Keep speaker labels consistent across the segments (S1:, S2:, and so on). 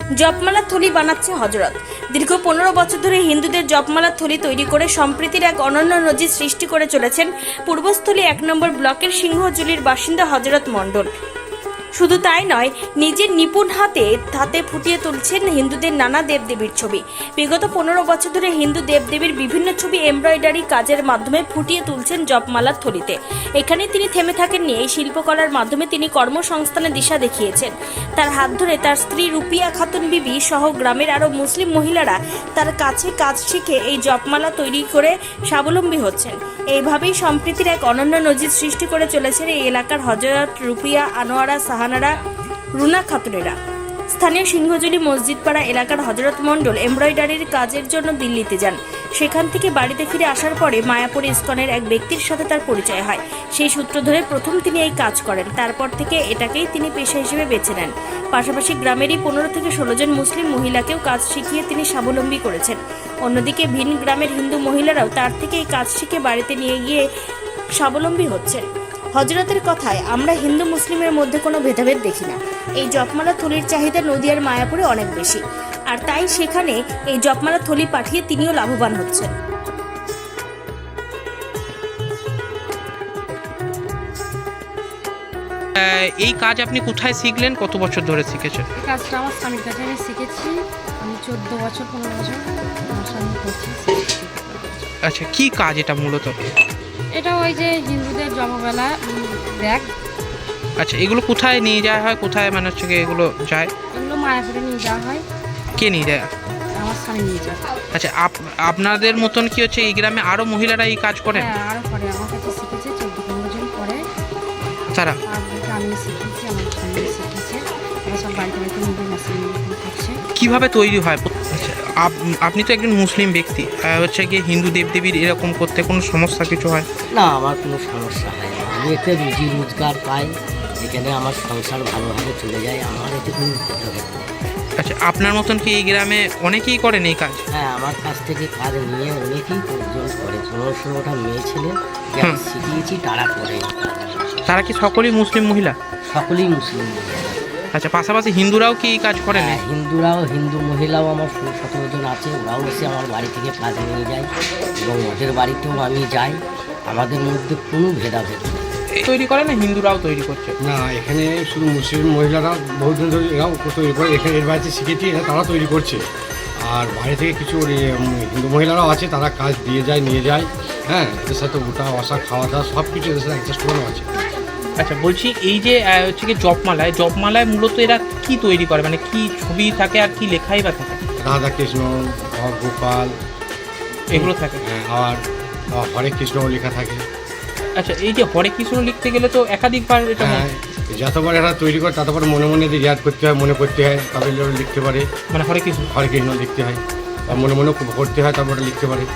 S1: জপমালার থলি বানাচ্ছে হজরত। দীর্ঘ 15 বছর ধরে হিন্দুদের জপমালার থলি তৈরি করে সম্প্রীতির এক অনন্য নজির সৃষ্টি করে চলেছেন পূর্বস্থলী 1 নম্বর ব্লকের সিংহজুলির বাসিন্দা হজরত মণ্ডল। শুধু তাই নয়, নিজের নিপুণ হাতে ফুটিয়ে তুলছেন হিন্দুদের নানা দেবদেবীর ছবি। বিগত 15 বছর ধরে হিন্দু দেবদেবীর বিভিন্ন ছবি এমব্রয়ডারি কাজের মাধ্যমে ফুটিয়ে তুলছেন জপমালার থলিতে। এখানে তিনি থেমে থাকেননি। এই শিল্পকলার মাধ্যমে তিনি কর্মসংস্থানের দিশা দেখিয়েছেন। তার হাত ধরে তার স্ত্রী রুপিয়া খাতুন বিবি সহ গ্রামের আরও মুসলিম মহিলারা তার কাছে কাজ শিখে এই জপমালা তৈরি করে স্বাবলম্বী হচ্ছেন। এইভাবেই সম্প্রীতির এক অনন্য নজির সৃষ্টি করে চলেছেন এই এলাকার হজরত, রুপিয়া, আনোয়ারা, সাহানারা, রুনা খাতুনেরা। স্থানীয় সিংহজুলি মসজিদপাড়া এলাকার হজরত মণ্ডল এমব্রয়ডারির কাজের জন্য দিল্লিতে যান। সেখান থেকে বাড়িতে ফিরে আসার পরে মায়াপুর ইস্কনের এক ব্যক্তির সাথে তার পরিচয় হয়। সেই সূত্র ধরে প্রথম তিনি এই কাজ করেন। তারপর থেকে এটাকেই তিনি পেশা হিসেবে বেছে নেন। পাশাপাশি গ্রামেরই 15 থেকে 16 জন মুসলিম মহিলাকেও কাজ শিখিয়ে তিনি স্বাবলম্বী করেছেন। অন্যদিকে ভিন গ্রামের হিন্দু মহিলারাও তার থেকে এই কাজ শিখে বাড়িতে নিয়ে গিয়ে স্বাবলম্বী হচ্ছেন। হজরতের কথায়, আমরা হিন্দু মুসলিমের মধ্যে কোনো ভেদাভেদ দেখি না। এই জপমালা থলির চাহিদা নদিয়ার মায়াপুরে অনেক বেশি, আর তাই সেখানে এই জপমালা থলি পাঠিয়ে তিনিও লাভবান হচ্ছেন।
S2: এই কাজ আপনি কোথায় শিখলেন? কত বছর ধরে শিখেছেন?
S3: এই কাজটা আমার স্বামীর কাছে আমি শিখেছি। আমি 14 বছর 15 বছর আমার স্বামী করছি।
S2: আচ্ছা, কি কাজ এটা মূলত?
S3: এটা ওই যে হিন্দুদের জপমালা ব্যাগ।
S2: আচ্ছা, এগুলো কোথায় নিয়ে যাওয়া হয়? কোথায় মানে হচ্ছে কি এগুলো যায়?
S3: এগুলো মায়াপুরে নিয়ে যাওয়া হয়।
S2: কে নিয়ে যায়?
S3: আমার স্বামী নিয়ে যায়।
S2: আচ্ছা, আপনাদের মতন কি হচ্ছে এই গ্রামে আরো মহিলারা এই কাজ করেন?
S3: হ্যাঁ, আরও করে আমার কাছে শিখেছে 14-15 জন করে।
S2: তারা
S3: আমি শিখেছি, আমার স্বামী শিখেছে। ওরা সব বাড়িতে বাড়িতে নিজের মেশিন করছে।
S2: কিভাবে তৈরি হয়? আচ্ছা, আপনি তো একজন মুসলিম ব্যক্তি, হচ্ছে গিয়ে হিন্দু দেবদেবীর এরকম করতে কোনো সমস্যা কিছু হয়
S4: না? আমার কোনো সমস্যা হয় না। আমি একটা রুজি রোজগার পাই, যেখানে আমার সংসার ভালোভাবে চলে যায়। আমার এতে কোনো ভেদাভেদ নেই।
S2: আচ্ছা, আপনার মতন কি এই গ্রামে অনেকেই করেন এই কাজ?
S4: হ্যাঁ, আমার কাছ থেকে কাজ নিয়ে অনেকেই প্রয়োজন করে। 15-16টা মেয়ে ছেলে যারা শিখিয়েছি তারা করে।
S2: তারা কি সকলেই মুসলিম মহিলা?
S4: সকলেই মুসলিম।
S2: আচ্ছা, পাশাপাশি হিন্দুরাও কি এই কাজ করেন?
S4: হ্যাঁ, হিন্দু মহিলাও আমার 16-17 জন আছে। ওরাও এসে আমার বাড়ি থেকে কাজ নিয়ে যায় এবং ওদের বাড়িতেও আমি যাই। আমাদের মধ্যে কোনো ভেদাভেদ নেই।
S2: তৈরি করে না হিন্দুরাও তৈরি করছে?
S5: না, এখানে শুধু মুসলিম মহিলারা বহুদিন ধরে এরাও তৈরি করে। এখানে এর বাড়িতে শিখেছি, তারা তৈরি করছে। আর বাইরে থেকে কিছু হিন্দু মহিলারাও আছে, তারা কাজ দিয়ে যায়, নিয়ে যায়। হ্যাঁ, এদের সাথে ওঠা বসা খাওয়া দাওয়া সব কিছু এদের সাথে অ্যাডজাস্ট করানো আছে।
S2: আচ্ছা, বলছি এই যে হচ্ছে কি জপমালায় মূলত এরা কি তৈরি করে, মানে কি ছবি থাকে আর কি লেখাই বা থাকে?
S5: রাধা কৃষ্ণ, গোপাল
S2: এগুলো থাকে।
S5: হ্যাঁ, আর হরে কৃষ্ণ লেখা থাকে।
S2: আচ্ছা, এই যে হরে কৃষ্ণ লিখতে গেলে তো একাধিকবার এটা
S5: হ্যাঁ, যতবার এরা তৈরি করে ততবার মনে মনে ইয়াদ করতে হয়, মনে করতে হয়, তবে লিখতে পারে।
S2: মানে হরে কৃষ্ণ
S5: লিখতে হয়, বা মনে মনে করতে হয়, তারপরে লিখতে পারে।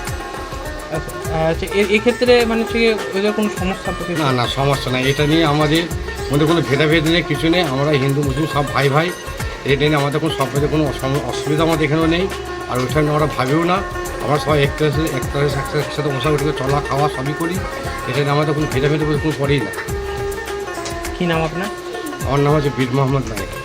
S2: আচ্ছা, এক্ষেত্রে মানে হচ্ছে ওদের কোনো সমস্যা?
S5: না, সমস্যা নাই। এটা নিয়ে আমাদের মধ্যে কোনো ভেদাভেদ নেই, কিছু নেই। আমরা হিন্দু মুসলিম সব ভাই ভাই। এটা নিয়ে আমাদের কোনো সব কোনো অসুবিধা আমাদের এখানেও নেই, আর ওইটা নিয়ে আমরা ভাবিও না। আমরা সবাই একসাথে মশাগুটি চলা খাওয়া সবই করি। এটা নিয়ে আমাদের কোনো ভেদাভেদ কোনো করেই না।
S2: কী নাম আপনার?
S5: আমার নাম হচ্ছে বীর মোহাম্মদ নায়ক।